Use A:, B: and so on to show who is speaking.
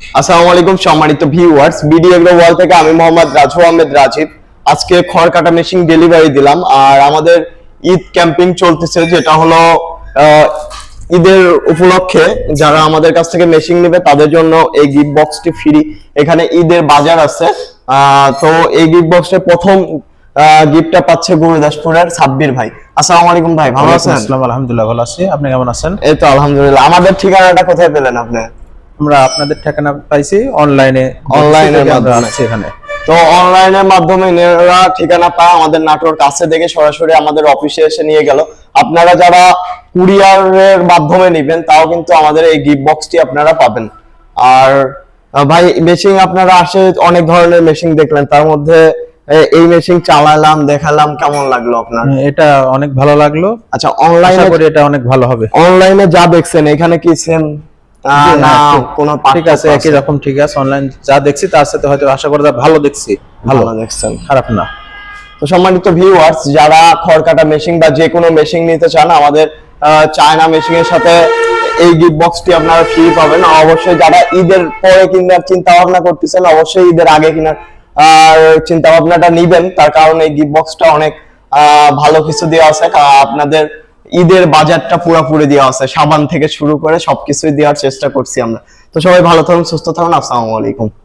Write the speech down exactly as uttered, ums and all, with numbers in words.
A: আসসালামু আলাইকুম সম্মানিত ভিউয়ার্স, বিডি এগ্রো ওয়ার্ল্ড থেকে আমি মোহাম্মদ রাজু আহমেদ রাজীব। আজকে খড় কাটা মেশিন ডেলিভারি দিলাম। আর আমাদের ঈদ ক্যাম্পিং চলতেছে, যেটা হলো ঈদের উপলক্ষে যারা আমাদের কাছ থেকে মেশিন নেবে তাদের জন্য এই গিফট বক্সটি ফ্রি। এখানে ঈদের বাজার আছে। তো এই গিফট বক্সে প্রথম গিফটটা পাচ্ছে গুরুদাসপুরের সাব্বির ভাই। আসসালামু আলাইকুম ভাই, ভালো আছেন?
B: আসসালামু আলহামদুলিল্লাহ, ভালো আছি। আপনি কেমন আছেন?
A: এই তো আলহামদুলিল্লাহ। আমাদের ঠিকানাটা কোথায় পেলেন আপনি?
B: আমরা আপনাদের ঠিকানা পাইছি অনলাইনে,
A: অনলাইনের মাধ্যমে।
B: এখানে
A: তো অনলাইনের মাধ্যমে এরা ঠিকানা পায় আমাদের নাটোর কাছে দেখে সরাসরি আমাদের অফিসে এসে নিয়ে গেল। আপনারা যারা কুরিয়ারের মাধ্যমে নেবেন তাও কিন্তু আমাদের এই গিফট বক্সটি আপনারা পাবেন। আর ভাই, মেশিন আপনারা আসে অনেক ধরনের মেশিন দেখলেন, তার মধ্যে এই মেশিন চালালাম, দেখালাম, কেমন লাগলো আপনার?
B: এটা অনেক ভালো লাগলো।
A: আচ্ছা, অনলাইনে
B: করে এটা অনেক ভালো হবে।
A: অনলাইনে যা দেখছেন এখানে কি সেম? না, কোনো
B: ঠিক আছে, একই রকম ঠিক আছে। অনলাইন যা দেখছি তার সাথে হয়তো আশা করা যায় ভালো দেখছি।
A: ভালো দেখছেন,
B: খারাপ না।
A: তো সম্মানিত ভিউয়ার্স, যারা খড় কাটা মেশিন বা যে কোনো মেশিন নিতে চান আমাদের চায়না মেশিনের সাথে এই গিফট বক্সটি আপনারা ফ্রি পাবেন। অবশ্যই যারা ঈদের পরে কেনার চিন্তা ভাবনা করতেছেন অবশ্যই ঈদের আগে কেনার আর চিন্তা ভাবনাটা নিবেন, তার কারণ এই গিফট বক্সটা অনেক ভালো কিছু দেওয়া আছে। আপনাদের ঈদের বাজারটা পুরোপুরি দেওয়া আছে, সাবান থেকে শুরু করে সবকিছুই দেওয়ার চেষ্টা করছি আমরা। তো সবাই ভালো থাকুন, সুস্থ থাকুন। আসসালামু আলাইকুম।